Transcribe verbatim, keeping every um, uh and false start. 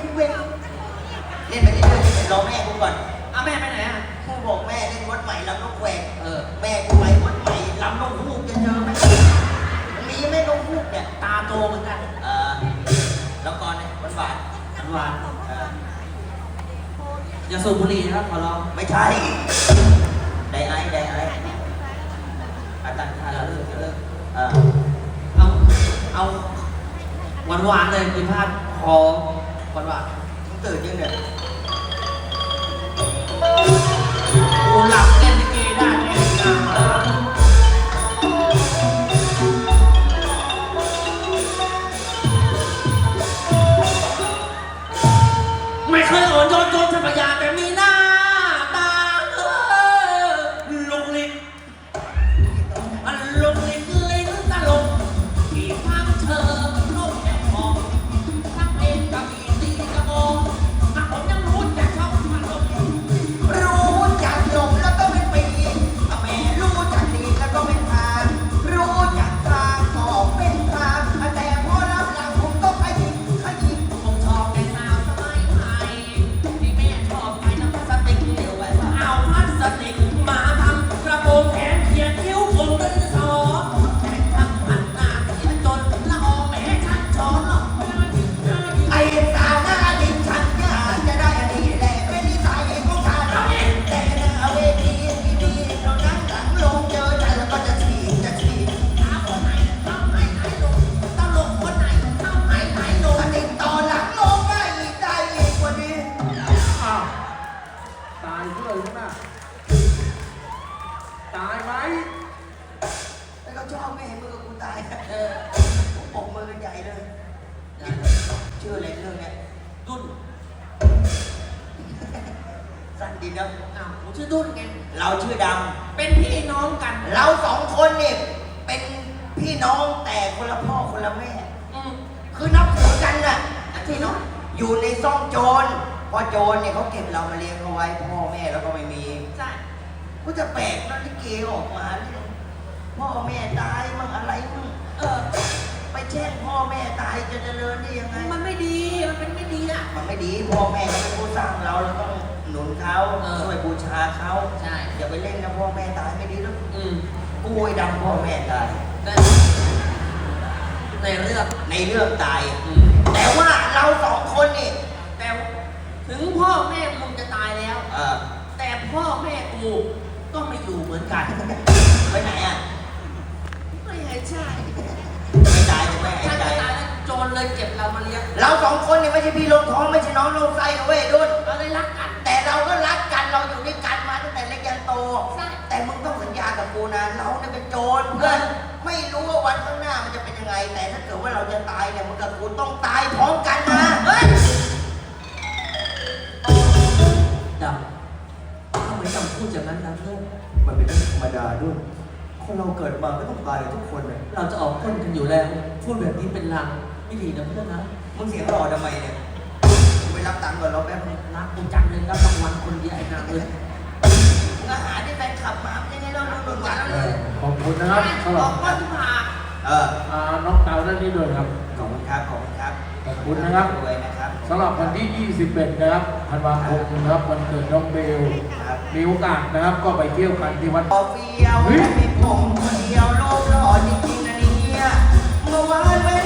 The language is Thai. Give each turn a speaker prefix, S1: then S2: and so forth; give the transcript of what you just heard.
S1: เว้นเล่นไปเรื่อยๆรอแม่กูก่อน
S2: อ้าวแม่ไปไหนอ่ะ
S1: กูบอกแม่เล่นวัดใหม่ลำนกแหวก
S2: เออ
S1: แม่กูไปวัดใหม่ลำนกฮูกจะเจอไหมมีไหมนกฮูกเนี่ย
S2: ตาโตเหมือนกัน
S1: เออแล้วก่อนเนี่ยหวาน
S2: อันหวาน
S1: ๆเออ
S2: อย่าสูบบุหรี่นะครับขอร้อง
S1: ไม่ใช่ไดไอซ์ไดไอซ์อาจารย์ทานแล้วเลิกเลิกเออ
S2: เอาเอาหวานหวานๆเลยคุณพาดคอหวานหวาน
S1: มึงตื่นยังเนี่ย
S2: โอ้หลับเล่นลิเกได้เล่นกลางมาไม่เคยอ่อนโยนโยนทรัพยาแต่มีหน้าตาเออลุกลิกอันลุกลิกลิ้นตลกที่ฟังเธอลูกแอบมองทั้งเพลงกับอีตีกระโมงถ้าผมยังรู้จักชอบมันลง
S1: รู้จักหลงแล้วก็เป็นปีแม่รู้จักดีแล้วก็เป็นทางรู้จักทางก็เป็นทางแต่พอรับหลังผมต้องขยิบขยิบ
S2: ผมชอบแต่สาวสมัยใหม่ที่แม่ชอบใช้น้ำพลาสติกเหลวไว้ว่าเอาพลาสติกมาทำกระโปรงแขนเขียนคิ้วผมเป็นสอแต่ทำพันหน้าเสียจนละอองแม่ชันช้อนหรอก
S1: ไอ้สาวหน้าดินฉันอยากจะได้อันนี้แหละเป็นนิสัยของฉันแต่หน้าเวทีที่ดีเรานั่งหลังลงเจอฉันแล้วก็จะฉีกจะฉีก
S2: ถามคนไหนทำให้ไหนลงตลกคนไหนทำให้ไหนลง
S1: ถ้าติดต่อหลังลงได้อีกได้อีกกว่านี้
S3: อ้าวตายเพื่อนนะตายไหม
S1: แล้วก็ชอบไม่เห็นมือกูตาย
S2: เออ
S1: ผมปกมือกันใหญ่เลยชื่ออะไรเรื่องเนี้ย
S2: ดุน
S1: สั้นดีนะ
S2: อ้าวผมชื่อดุนไง
S1: เราชื่อด
S2: เป็นพี่น้องกัน
S1: ำเราสองคนนี่เป็นพี่น้องแต่คนละพ่อคนละแม่
S2: อืม
S1: คือนับถือกันน่ะ
S2: พี่น้อง
S1: อยู่ในซ่องโจรพอโจรเนี่ยเขาเก็บเรามาเลี้ยงเอาไว้พ่อแม่แล้วก็ไม่มี
S2: ใช่
S1: ก็จะแปลกนะลิเกออกมาเนี่ยพ่อแม่ตายมั่งอะไรมั่ง
S2: เออ
S1: ไปแช่งพ่อแม่ตายจะเจริญได้ยังไง
S2: มันไม่ดี มันเป็นไม่ดีอ่ะ
S1: มันไม่ดีพ่อแม่เขาเป็นผู้สร้างเราเราต้องหนุนเขา
S2: เออ
S1: ช่วยบูชาเขา
S2: ใช่
S1: อย่าไปเล่นนะพ่อแม่ตายไม่ดีแล้ว
S2: อืม
S1: กูไอ้ดำพ่อแม่ตาย
S2: แต่ในเรื่อง
S1: ในเรื่องตาย
S2: อืม
S1: แต่ว่าเราสองคนนี่
S2: แต่ถึงพ่อแม่มึงจะตายแล้ว
S1: เออ
S2: แต่พ่อแม่กูก็ไม่อยู่เหมือนกัน
S1: ไปไหนอ่ะ
S2: ไม่ใช่ใช่
S1: ไม่ตายใช่ไหมไอ้
S2: ถ้า
S1: ใจ
S2: จะตายแล้วโจรเลยเก็บเรามาเลี้ยง
S1: เราสองคนนี่ไม่ใช่พี่ลงท้องไม่ใช่น้องลงไส้นะเว้ยดุน
S2: เราเลยรักกัน
S1: แต่เราก็รักกันเราอยู่ด้วยกันมาตั้งแต่เล็กยันโต
S2: ใช่
S1: แต่มึงต้องสัญญากับกูนะเราเนี่ยเป็นโจรเพื่อนไม่รู้ว่าวันข้างหน้ามันจะเป็นยังไง แต่ถ้าเกิดว่าเราจะตายเนี่ยมึงกับกูต้องตายพร้อมกันนะเฮ้ย
S2: ดำทำไมดำพูดอย่างนั้นนะเพื่อน
S4: มันเป็นเรื่องธรรมดาด้วย คนเราเกิดมาก็ต้องตายกันทุกคนเลย
S2: เราจะออกพ้นกันอยู่แล้ว พูดแบบนี้เป็นลางไม่ดีนะเพื่อนนะ
S1: มึงเสียงหล่อทำไมเนี่ยกูไปรับตังค์ก่อนเราแป๊บนึง
S2: รักกูจังเลยรับรางวัลคนเดียวไอ้นางเลย
S1: มึงอาหารที่แฟนขับมาเป็นยังไงเราเราโดนวัดเลย
S3: ขอบคุณนะครับสำห
S2: บ
S3: รั
S2: อบ กว่าทุกผา
S1: เออ
S3: อ่าน้องเตาด้านนี้ด้วยครับ
S1: ขอบคุณครับขอบคุณครับ
S3: ขอบคุณนะครับ
S1: รวยนะครับ
S3: สำหรับวันที่ ยี่สิบเอ็ด นะครับธันวาคมนะครับวันเกิดน้องเบล
S1: ครับ
S3: มีโอกาสนะครับก็ไปเที่ยวกันที่วัด
S1: พอเฟียวมีผมคนเดียวโลกหล่อจริงๆนะเนี่ยเมื่อวานไม่